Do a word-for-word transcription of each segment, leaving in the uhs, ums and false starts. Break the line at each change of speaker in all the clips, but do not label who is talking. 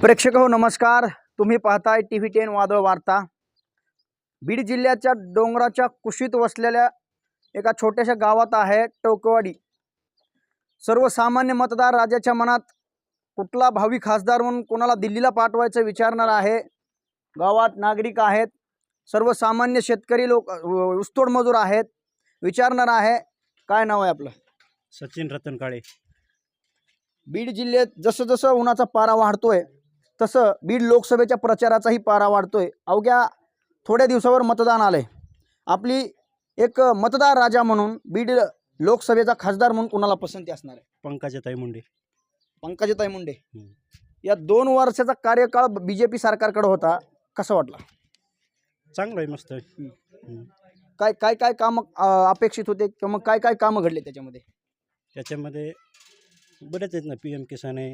प्रेक्षक हो नमस्कार, तुम्ही पाहताय टी व्ही टेन वादळ वार्ता। बीड जिल्ह्याच्या डोंगराच्या कुशीत वसलेल्या एका छोट्याशा गावात आहे टोकवाडी। सर्वसामान्य मतदार राजाच्या मनात कुठला भावी खासदार म्हणून कोणाला दिल्लीला पाठवायचं विचारणार आहे। गावात नागरिक आहेत, सर्वसामान्य शेतकरी लोक, ऊसतोड मजूर आहेत। विचारणार आहे, काय नाव आहे आपलं?
सचिन रतन काळे।
बीड जिल्ह्यात जसं जसं उन्हाचा पारा वाढतोय तसं बीड लोकसभेच्या प्रचाराचाही पारा वाढतोय। अवघ्या थोड्या दिवसावर मतदान आलंय। आपली एक मतदार राजा म्हणून बीड लोकसभेचा खासदार म्हणून कोणाला पसंती असणार आहे?
पंकजाताई मुंडे।
पंकजाताई मुंडे। या दोन वर्षाचा कार्यकाळ बीजेपी सरकारकडे होता, कसं वाटला?
चांगलं आहे, मस्त आहे।
काय काय काय काम अपेक्षित होते किंवा काय काय कामं घडले त्याच्यामध्ये?
त्याच्यामध्ये बरेच आहेत ना, पी एम किसान आहे,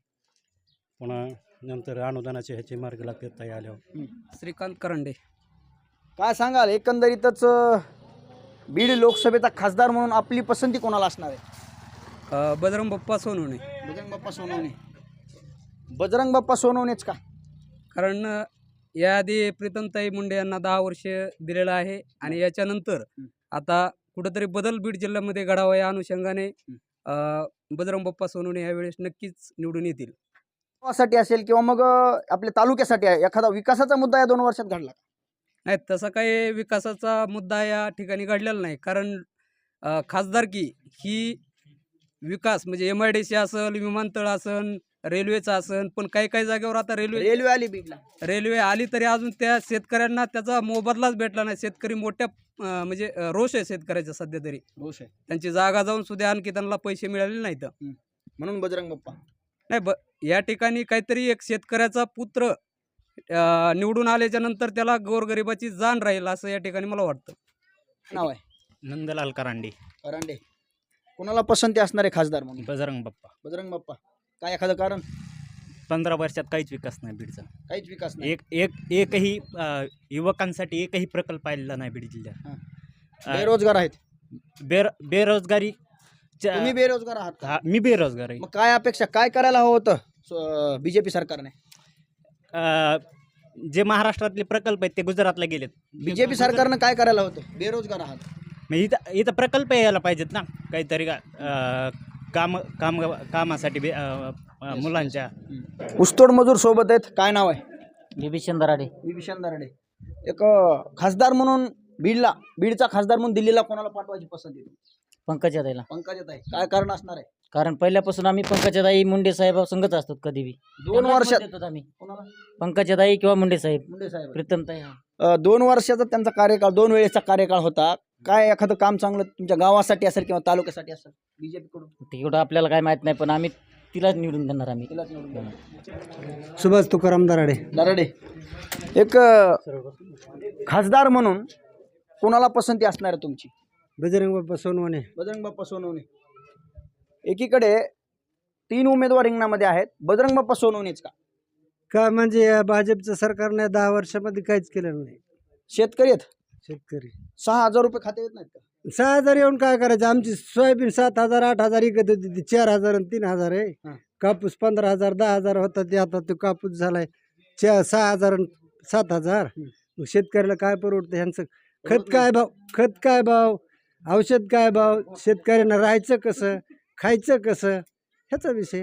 पुन्हा नंतर अनुदानाचे ह्याचे मार्ग लागतात ताई आल्यावर।
श्रीकांत करंडे।
काय सांगाल, एकंदरीतच बीड लोकसभेचा खासदार म्हणून आपली पसंती कोणाला असणार आहे?
अ, बजरंग बाप्पा सोनवणे।
बजरंग बाप्पा सोनवणे। बजरंग बाप्पा सोनवणेच का?
कारण याआधी प्रीतमताई मुंडे यांना दहा वर्ष दिलेलं आहे आणि याच्यानंतर आता कुठंतरी बदल बीड जिल्ह्यामध्ये घडावा या अनुषंगाने अ, बजरंग बाप्पा सोनवणे यावेळेस नक्कीच निवडून येतील।
साठी असेल किंवा मग आपल्या तालुक्यासाठी आहे, एखादा विकासाचा मुद्दा या दोन वर्षात घडला?
नाही, तसा काही विकासाचा मुद्दा या ठिकाणी घडलेला नाही। कारण अ, खासदारकी ही विकास म्हणजे एम आय डी सी असेल, विमानतळ असेल, रेल्वेचं असेल, पण काही काही जागेवर आता रेल्वे
रेल्वे आली बीडला।
रेल्वे आली तरी अजून त्या शेतकऱ्यांना त्याचा मोबदलाच भेटला नाही। शेतकरी मोठ्या अ, म्हणजे अ, रोष आहे शेतकऱ्याचा सध्या तरी।
रोष आहे,
त्यांची जागा जाऊन सुद्धा आणखी त्यांना पैसे मिळाले नाहीत।
म्हणून बजरंग बाप्पा
नाही, ब या ठिकाणी काहीतरी एक शेतकऱ्याचा पुत्र अ, निवडून आल्याच्या नंतर त्याला गोरगरिबाची जाण राहील असं या ठिकाणी मला वाटतं।
नाव आहे
नंदलाल करांडे।
करांडे। कोणाला पसंती असणार आहे खासदार म्हणून?
बजरंग बाप्पा।
बजरंग बाप्पा। काय एखादं कारण?
पंधरा वर्षात काहीच विकास नाही बीडचा।
काहीच विकास नाही।
एक एक एकही अ, युवकांसाठी एकही प्रकल्प आलेला नाही बीड जिल्ह्यात। अ,
बेरोजगार आहेत।
बेर बेरोजगारी च्या-
तुम्ही बेरोजगार आहात का?
हा, मी बेरोजगार आहे।
मग काय अपेक्षा, काय करायला हवं होतं बीजेपी सरकारने?
अ, जे महाराष्ट्रातले प्रकल्प आहेत ते गुजरातला गेलेत।
बीजेपी सरकारनं काय करायला होतं? बेरोजगार आहात,
मग इथं इथं प्रकल्प यायला पाहिजेत ना काहीतरी का अ, काम काम कामासाठी बे- अ, अ, मुलांच्या।
ऊसतोड मजूर सोबत आहेत। काय नाव आहे?
विभीषण दराडे।
विभीषण दराडे। एक अ, खासदार म्हणून बीडला बीडचा खासदार म्हणून दिल्लीला कोणाला पाठवायची पसंती?
पंकजाताईला।
पंकजाताई। काय कारण असणार आहे?
कारण पहिल्यापासून आम्ही पंकजाताई मुंडे साहेब संगत असतो कधी बी।
दोन वर्षात
देतो आम्ही
कोणाला?
पंकजाताई किंवा मुंडे साहेब,
मुंडे साहेब।
प्रीतमताई। हा.
अ, दोन वर्षाचा त्यांचा कार्यकाळ, दोन वेळेचा कार्यकाळ होता। काय एखादं काम चांगलं तुमच्या गावासाठी असेल किंवा तालुक्यासाठी असेल बीजेपी कडून?
तेवढं आपल्याला काय माहित नाही, पण आम्ही तिलाच निवडून देणार आम्ही।
तिलाच निवडून देणार।
सुभाष तुकाराम दराडे।
दराडे। एक अ, खासदार म्हणून कोणाला पसंती असणार आहे तुमची?
बजरंग बाप्पा सोनवणे।
बजरंग बाप्पा सोनवणे। एकीकडे तीन उमेदवार रिंगणामध्ये आहेत, बजरंग बाप्पा सोनवणेच का?
का म्हणजे या भाजपचं सरकारने दहा वर्षामध्ये काहीच केलं नाही।
शेतकरी आहेत,
शेतकरी
सहा हजार रुपये खाते येत नाहीत का?
सहा हजार येऊन काय करायचं? आमची सोयाबीन सात हजार आठ हजार इकत होती, ती चार हजार आणि तीन हजार आहे।
हा.
कापूस पंधरा हजार दहा हजार होता, ते आता तो कापूस झालाय चार सहा हजार आणि सात हजार। मग शेतकऱ्याला काय परवडतं? ह्यांचं खत काय भाव, खत काय भाव, औषध काय भाव, शेतकऱ्यांना राहायचं कसं, खायचं कसं, ह्याचा विषय।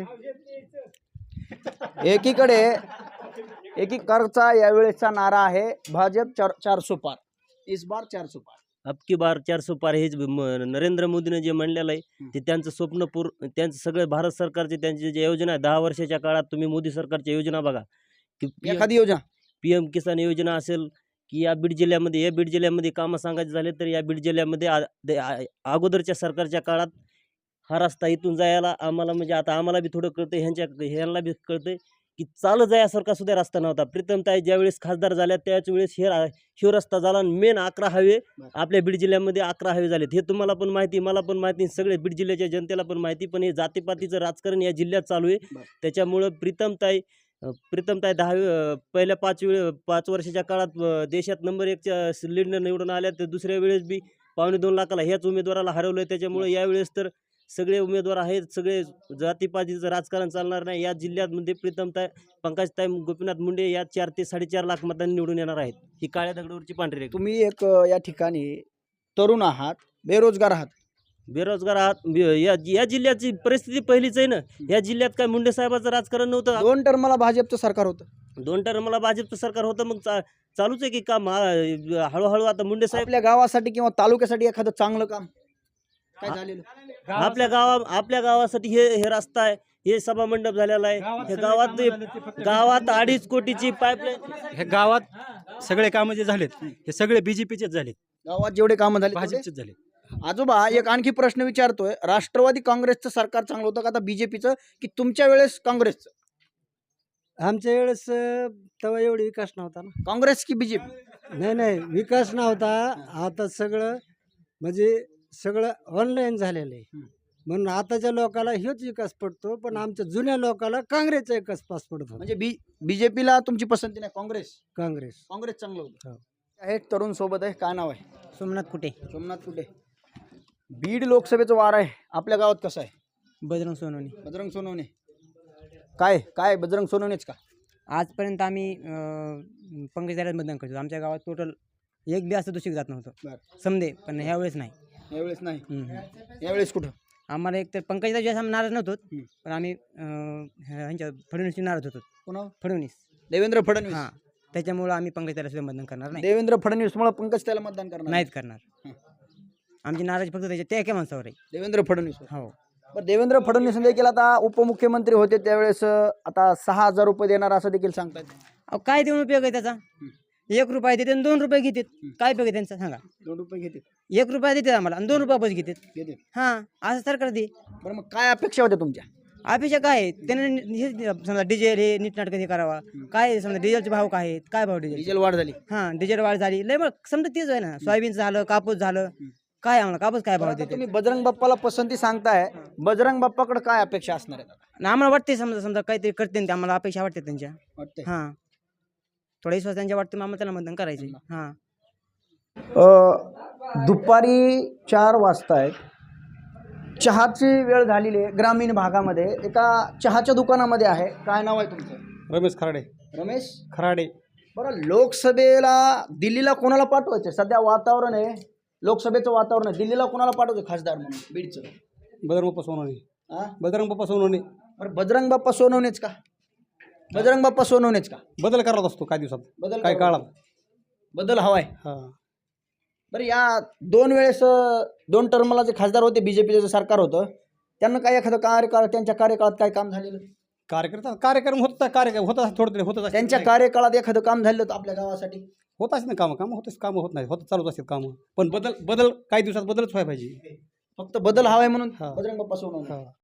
एकीकडे एकीकडचा यावेळेचा नारा आहे भाजप चार चार सो पार, इस बार चार सो पार।
अब की बार चार सौ पार हेच म- नरेंद्र मोदीने जे म्हणलेलं आहे ते त्यांचं स्वप्न पूर त्यांचं सगळं भारत सरकारचे त्यांची जे योजना आहे दहा वर्षाच्या काळात तुम्ही मोदी सरकारच्या योजना बघा की
एखादी योजना
पी एम किसान योजना असेल की या बीड जिल्ह्यामध्ये या बीड जिल्ह्यामध्ये कामं सांगायचे झाले तर या बीड जिल्ह्यामध्ये आ- दे- आ- अगोदरच्या सरकारच्या काळात हा रस्ता इथून जायला आम्हाला म्हणजे आता आम्हाला बी थोडं कळतं, ह्यांच्या ह्यांना बी कळतंय की चालत जायासारखा सुद्धा रस्ता नव्हता। प्रीतमताई ज्यावेळेस खासदार झाल्या त्याच वेळेस हे रा- ह्यो रस्ता झाला। मेन अकरा हायवे आपल्या बीड जिल्ह्यामध्ये अकरा हायवे झालेत, हे तुम्हाला पण माहिती, मला पण माहिती, सगळे बीड जिल्ह्याच्या जनतेला पण माहिती। पण हे जातीपातीचं राजकारण या जिल्ह्यात चालू आहे, त्याच्यामुळं प्रीतमताई अ, प्रीतमताई दहावी अ, पहिल्या पाच वेळ पाच वर्षाच्या काळात अ, देशात नंबर एकच्या लीडनं निवडून आल्या, तर दुसऱ्या वेळेस बी पावणे दोन लाखाला ह्याच उमेदवाराला हरवलं। त्याच्यामुळे यावेळेस तर सगळे उमेदवार आहेत, सगळे जातीपातीचं राजकारण चालणार नाही. या जिल्ह्यामध्ये प्रीतमताई पंकजताई गोपीनाथ मुंडे या चार ते साडेचार लाख मतांनी निवडून येणार आहेत. ही काळ्या दगडावरची पांढरी रेघ.
तुम्ही एक अ, या ठिकाणी तरुण आहात, बेरोजगार आहात.
बेरोजगार आहात. बे- या या जिल्ह्याची परिस्थिती पहिलीच आहे ना. या जिल्ह्यात काय मुंडे साहेबाचं राजकारण नव्हतं.
दोन टर्मला भाजपचं सरकार होतं.
दोन टर्मला भाजपचं सरकार होतं, मग चा- चालूच आहे की काम. हा- हळूहळू आता मुंडे साहेब
आपल्या गावासाठी किंवा तालुक्यासाठी एखादं चांगलं काम काय झालेलं?
आपल्या गावा आपल्या गावासाठी हे हे रस्ता आहे, हे सभा मंडप झालेला आहे. हे गावात गावात अडीच कोटीची पाईपलाईन.
हे गावात सगळे कामं जे झालेत हे सगळे बीजेपीचेच झालेत,
गावात जेवढे कामं झाले तेवढे?
भाजपचेच झाले.
आजोबा एक आणखी प्रश्न विचारतोय, राष्ट्रवादी काँग्रेसचं सरकार चांगलं होतं का आता बीजेपीचं, की तुमच्या वेळेस काँग्रेसचं?
आमच्या वेळेस अं, तेव्हा एवढी विकास नव्हता ना.
काँग्रेस की बीजेपी?
नाही नाही विकास नव्हता. आता सगळं म्हणजे सगळं ऑनलाईन झालेलं आहे.
हम्म.
म्हणून आताच्या लोकाला हेच विकास पडतो, पण आमच्या जुन्या लोकाला काँग्रेसचा विकास पास पडत होता.
म्हणजे बी बीजेपीला तुमची पसंती नाही, काँग्रेस?
काँग्रेस
काँग्रेस चांगलं होतं.
हो.
आहे एक तरुण सोबत आहे, काय नाव आहे?
सोमनाथ कुठे
सोमनाथ कुठे? बीड लोकसभेचं वार आहे, आपल्या गावात कसं आहे?
बजरंग सोनवणे.
बजरंग सोनवणे. काय काय बजरंग सोनवणेच का?
आजपर्यंत आम्ही पंकज दादा मतदान करतो. आमच्या गावात टोटल एक बी असं दूषित जात नव्हतं
बरं.
समजे, पण ह्यावेळेस नाही.
यावेळेस नाही.
हम्म.
यावेळेस कुठं?
आम्हाला एक तर पंकज दादा आम्ही नाराज नव्हतो,
हम्म.
पण आम्ही अं, ह्यांच्या फडणवीसची नाराज होतो.
पुन्हा
फडणवीस
देवेंद्र फडणवीस.
हां, त्याच्यामुळं आम्ही पंकज दादा सुद्धा मतदान करणार नाही.
देवेंद्र फडणवीस मुळे पंकज त्याला मतदान करणार
नाहीत करणार.
हं.
आमची नाराज फक्त त्याच्या त्या एका माणसावर आहे.
देवेंद्र फडणवीस.
हो.
बरं, देवेंद्र फडणवीस देखील आता उपमुख्यमंत्री होते त्यावेळेस अं, आता सहा हजार रुपये देणार असं देखील सांगतायत.
अहो, काय देऊन उपयोग आहे त्याचा? एक रुपया देते आणि दोन रुपये घेतात. काय उपयोग आहे त्यांचा सांगा?
दोन रुपये घेते
एक रुपया देतात आम्हाला आणि दोन रुपया पैसे घेतात.
घेते
हां, असं सरकार दे.
बरं, मग काय अपेक्षा होत्या तुमच्या?
अपेक्षा काय आहे? त्याने नि- हे समजा डिझेल हे नीटनाटकं हे करावा. काय आहे समजा डिझेलचे भाव काय आहेत? काय भाव डिझेल?
डिझेल वाढ झाली.
हां, डिझेल वाढ झाली लय, मग समजा तेच आहे ना. सोयाबीनचं झालं, कापूस झालं, काय आम्हाला कापूस काय भाव
आता
देते?
तुम्ही बजरंग बाप्पाला पसंती सांगताय, बजरंग बाप्पाकडे काय अपेक्षा असणार आहेत आता?
आणि आम्हाला वाटते समजा समजा काहीतरी करते ते, आम्हाला अपेक्षा वाटते त्यांच्या.
वाटतंय.
हां, थोडा विश्वास त्यांच्या वाटते, मग आम्हाला त्याला मतदान करायचे. हां.
अ, दुपारी चार वाजता आहेत, चहाची वेळ झालेली आहे. ग्रामीण भागामध्ये एका चहाच्या दुकानामध्ये आहे. काय नाव आहे तुमचं?
रमेश खराडे.
रमेश
खराडे.
बरं, लोकसभेला दिल्लीला कोणाला पाठवायचं? सध्या वातावरण आहे, लोकसभेचं वातावरण आहे, दिल्लीला कोणाला पाठवायचं खासदार म्हणून बीडचं?
बजरंग बाप्पा सोनवणे.
हा,
बजरंग बाप्पा सोनवणे.
बरं, बजरंग बाप्पा सोनवणेच का? बजरंग बाप्पा सोनवणेच का?
बदल करत असतो काही दिवसात,
बदल
काही
करावा.
काळात.
बदल हवाय.
हा.
बरं, या दोन वेळेस अं, दोन टर्मला जे खासदार होते, बीजेपीचं जे सरकार होतं, त्यांना काय एखादं कार्यकाळ, त्यांच्या कार्यकाळात काय काम झालेलं?
कार्यकर्ता कार्यक्रम होता, कार्यक्रम होत थोडं तरी होतच असते.
त्यांच्या कार्यकाळात एखादं काम झालं होतं आपल्या गावासाठी?
होताच ना कामं कामं होतच कामं होत नाही, होत चालूच असतात कामं, पण बदल बदल काही दिवसात बदलच व्हायला पाहिजे.
फक्त बदल हवाय म्हणून
हा.
बजरंग बाप्पा सोनवणे.
हा.